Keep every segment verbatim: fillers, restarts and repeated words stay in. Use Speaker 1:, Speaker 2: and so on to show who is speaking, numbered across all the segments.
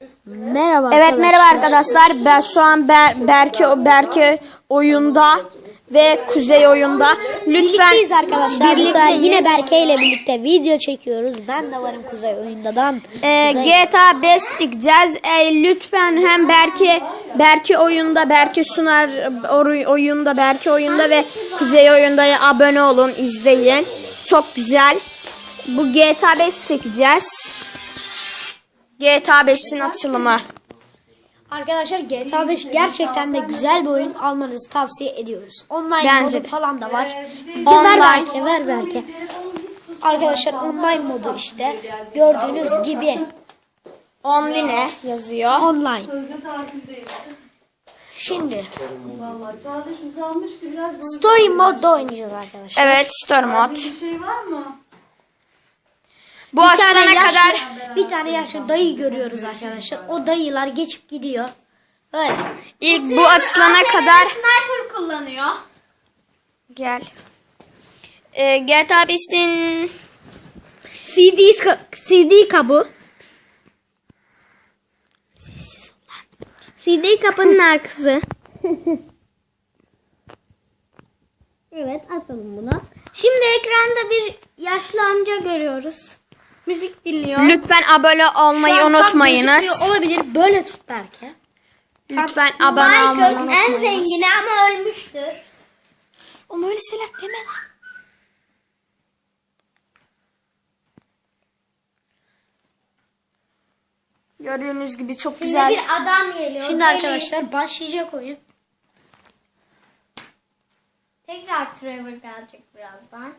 Speaker 1: Merhaba
Speaker 2: Evet
Speaker 1: arkadaşlar.
Speaker 2: merhaba arkadaşlar. Ben şu an Ber Berke Berke oyunda ve Kuzey oyunda. Lütfen
Speaker 1: Birlikteyiz arkadaşlar. Bu sefer
Speaker 2: birlikteyiz.
Speaker 1: yine Berke ile birlikte video çekiyoruz. Ben de varım Kuzey oyundadan.
Speaker 2: Ee,
Speaker 1: Kuzey-
Speaker 2: G T A beş çıkacağız. Ee, lütfen hem Berke Berke oyunda, Berke Sunar oy- oyunda, Berke oyunda ve Kuzey oyunda abone olun, izleyin. Çok güzel. Bu G T A beş çekeceğiz. G T A beşin açılımı.
Speaker 1: Arkadaşlar G T A beş gerçekten de güzel bir oyun. Almanızı tavsiye ediyoruz. Online
Speaker 2: Bence
Speaker 1: modu
Speaker 2: de.
Speaker 1: falan da var.
Speaker 2: Online.
Speaker 1: Ver Berke, ver Berke. Arkadaşlar online modu işte. Gördüğünüz gibi
Speaker 2: Only ne yazıyor?
Speaker 1: online. Şimdi
Speaker 3: Vallahi Çağdaş uzanmıştı biraz. Böyle
Speaker 1: story modda oynayacağız arkadaşlar.
Speaker 2: Evet, story mod.
Speaker 3: bir şey var mı?
Speaker 2: Bu
Speaker 1: Bir
Speaker 2: açılana
Speaker 1: tane yaşlı,
Speaker 2: kadar
Speaker 1: bir tane yaşlı dayı görüyoruz arkadaşlar. O dayılar geçip gidiyor. Böyle.
Speaker 2: ilk bu açılana kadar
Speaker 1: Sniper kullanıyor.
Speaker 2: gel. Ee, G T A beşin
Speaker 1: C D ka- C D kabı.
Speaker 2: sessiz ol lan.
Speaker 1: C D kapının arkası. Evet, atalım bunu. Şimdi ekranda bir yaşlı amca görüyoruz. Müzik dinliyor.
Speaker 2: Lütfen abone olmayı
Speaker 1: Şu an tam
Speaker 2: unutmayınız.
Speaker 1: gözükmüyor olabilir. Böyle tut belki.
Speaker 2: Lütfen abone olmayı
Speaker 1: en
Speaker 2: unutmayınız.
Speaker 1: zengini ama ölmüştür.
Speaker 2: Ama öyle şeyler deme lan. Gördüğünüz gibi çok güzel.
Speaker 1: adam geliyor. Şimdi arkadaşlar başlayacak oyun.
Speaker 4: Tekrar Trevor gelecek birazdan.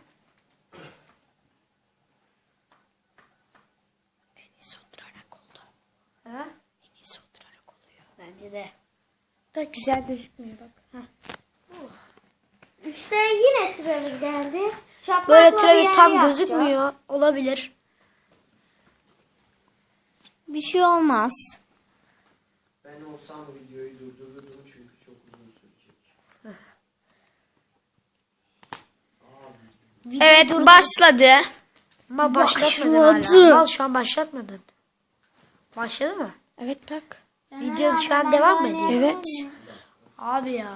Speaker 2: En iyisi oturarak oldu.
Speaker 1: Ha?
Speaker 2: En iyisi oturarak oluyor.
Speaker 1: Bence de.
Speaker 2: Da güzel gözükmüyor bak. Heh.
Speaker 4: İşte yine Trevor geldi. Çaprazla
Speaker 1: Böyle
Speaker 4: bir
Speaker 1: Trevor
Speaker 4: yer
Speaker 1: tam
Speaker 4: yapacak.
Speaker 1: gözükmüyor. Olabilir.
Speaker 4: Bir şey olmaz.
Speaker 5: Ben olsam videoyu durdururdum çünkü çok uzun sürecek.
Speaker 2: Evet başladı.
Speaker 1: Ama başlatmadın
Speaker 2: Başladı.
Speaker 1: hala. Al şu an başlatmadın. Başladı mı?
Speaker 2: Evet bak.
Speaker 1: Video şu an devam mı ediyor?
Speaker 2: Evet.
Speaker 1: Abi ya.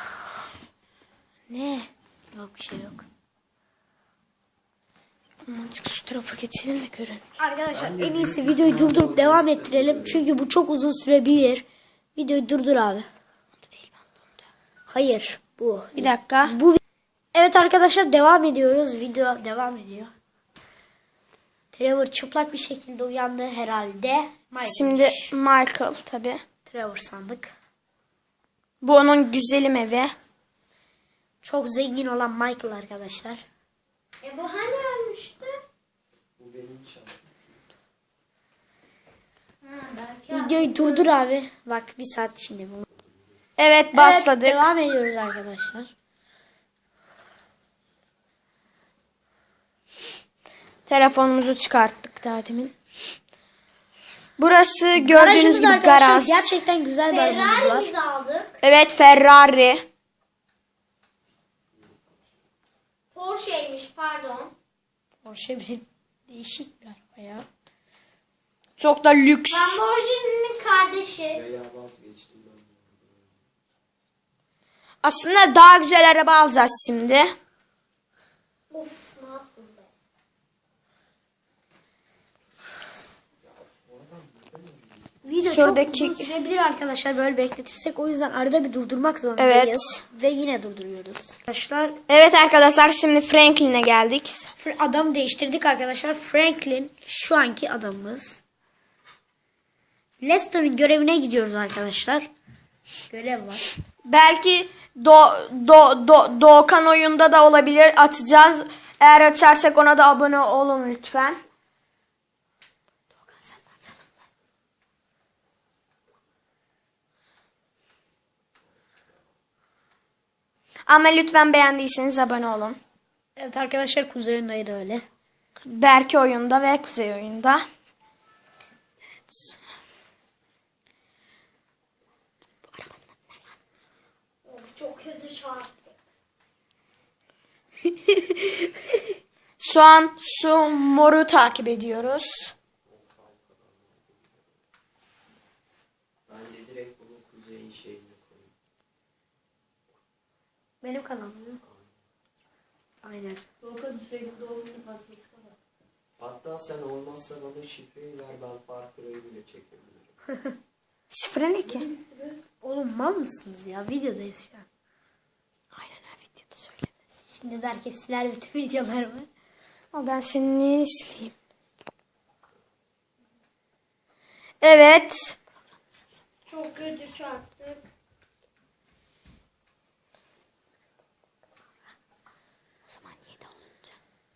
Speaker 2: Ne?
Speaker 1: Yok bir şey yok.
Speaker 2: Azıcık şu tarafa geçelim de görün.
Speaker 1: Arkadaşlar en iyisi videoyu durdurup devam ettirelim. Çünkü bu çok uzun sürebilir. Videoyu durdur abi. Hayır bu.
Speaker 2: Bir dakika.
Speaker 1: Bu Evet arkadaşlar devam ediyoruz. Video devam ediyor. Trevor çıplak bir şekilde uyandı herhalde. Michael.
Speaker 2: Şimdi Michael tabi.
Speaker 1: Trevor sandık.
Speaker 2: Bu onun güzelim evi.
Speaker 1: Çok zengin olan Michael arkadaşlar.
Speaker 4: E bu hani ölmüştü?
Speaker 5: Bu benim şarkım.
Speaker 1: Videoyu durdur abi. Bak bir saat şimdi bunu.
Speaker 2: Evet başladık.
Speaker 1: Evet, devam ediyoruz arkadaşlar.
Speaker 2: Telefonumuzu çıkarttık daha demin. Burası gördüğünüz
Speaker 1: Garajımız
Speaker 2: gibi
Speaker 1: arkadaşlar
Speaker 2: garaj.
Speaker 1: gerçekten güzel bir arabamız var.
Speaker 4: Ferrari'mizi aldık.
Speaker 2: Evet Ferrari.
Speaker 4: Porsche'ymiş pardon.
Speaker 1: Porsche bir değişik bir araba ya.
Speaker 2: Çok da lüks.
Speaker 4: Lamborghini'nin kardeşi.
Speaker 5: Veya vazgeçtim ben.
Speaker 2: Aslında daha güzel araba alacağız şimdi.
Speaker 4: Of ne yaptın be?
Speaker 1: Video
Speaker 2: Şuradaki-
Speaker 1: çok uzun sürebilir arkadaşlar böyle bekletirsek. O yüzden arada bir durdurmak zorundayız.
Speaker 2: Evet.
Speaker 1: Ve yine durduruyoruz. Arkadaşlar
Speaker 2: Evet arkadaşlar şimdi Franklin'e geldik.
Speaker 1: adam değiştirdik arkadaşlar. Franklin şu anki adamımız. Lester'ın görevine gidiyoruz arkadaşlar. Görev var.
Speaker 2: Belki Do Do Do Doğukan oyunda da olabilir. Atacağız. Eğer açarsak ona da abone olun lütfen. Doğukan sen de atsana. Ama lütfen beğendiyseniz abone olun.
Speaker 1: Evet arkadaşlar Kuzey'in dayı da öyle.
Speaker 2: Berke oyunda ve Kuzey oyunda. Evet.
Speaker 4: Of çok kötü çarptı.
Speaker 2: Şu an su moru takip ediyoruz.
Speaker 5: Berke'nin şeyini koyayım.
Speaker 1: Benim kanalım. Aynen.
Speaker 3: Doğukan Hüseyin'in doğum günü pastası kadar.
Speaker 5: Hatta sen olmazsa bana şifreyi ver, ben Far Cry'ı bile çekebilirim.
Speaker 2: Sıfıra ne ki?
Speaker 1: Oğlum mal mısınız ya? Videodayız şu an.
Speaker 2: Aynen ha, videoda söylemez.
Speaker 1: Şimdi belki siler bütün videolarımı.
Speaker 2: Ama ben seni niye sileyim? Evet.
Speaker 4: Çok kötü çarptık.
Speaker 2: O zaman yedi olunca.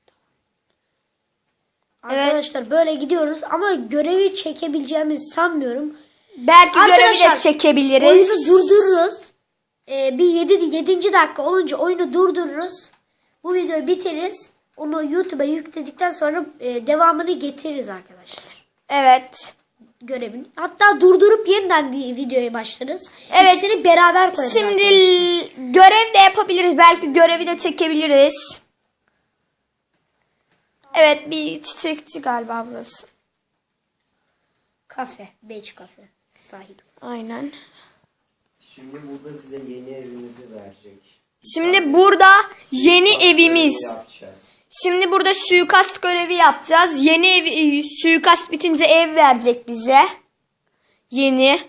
Speaker 1: Arkadaşlar böyle gidiyoruz ama görevi çekebileceğimizi sanmıyorum.
Speaker 2: Belki görevi
Speaker 1: Arkadaşlar,
Speaker 2: de çekebiliriz.
Speaker 1: Oyunu durdururuz. Ee, bir yedi yedinci dakika olunca oyunu durdururuz. Bu videoyu bitiririz. Onu YouTube'a yükledikten sonra e, devamını getiririz arkadaşlar.
Speaker 2: Evet.
Speaker 1: Görevini. Hatta durdurup yeniden bir videoya başlarız.
Speaker 2: Evet.
Speaker 1: İkisini beraber koyarız.
Speaker 2: Şimdi
Speaker 1: arkadaşlar.
Speaker 2: l- görev de yapabiliriz. Belki görevi de çekebiliriz. Evet, bir çiçekçi galiba burası.
Speaker 1: Kafe. Beach kafe. Sahil.
Speaker 2: Aynen.
Speaker 5: Şimdi burada bize yeni evimizi verecek.
Speaker 2: Şimdi burada yeni
Speaker 5: Far
Speaker 2: evimiz.
Speaker 5: Cry'ı yapacağız.
Speaker 2: Şimdi burada suikast görevi yapacağız. Yeni ev, e, suikast bitince ev verecek bize. Yeni.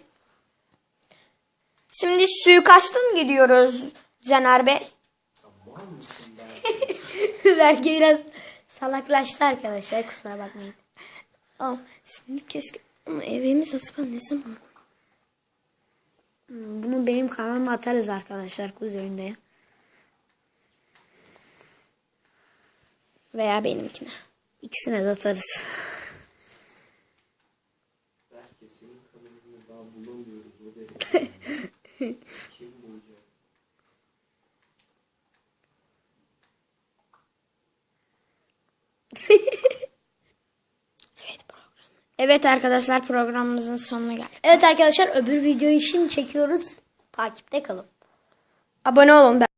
Speaker 2: Şimdi suikasta mı gidiyoruz Caner Bey?
Speaker 5: Tamam mısın Berke?
Speaker 1: Belki biraz salaklaştı arkadaşlar. Kusura bakmayın.
Speaker 2: Aa, şimdi keşke ama evimiz acaba ne zaman?
Speaker 1: Hmm, Bunu benim kanalıma atarız arkadaşlar. Kuzey Oyun'da.
Speaker 2: Veya benimkine.
Speaker 1: İkisine de atarız.
Speaker 5: Berke senin kanalını daha bulamıyoruz o derece. Kim bulacak?
Speaker 2: Evet program. Evet arkadaşlar, programımızın sonuna geldik.
Speaker 1: Evet arkadaşlar, öbür videoyu şimdi çekiyoruz. Takipte kalın.
Speaker 2: Abone olun.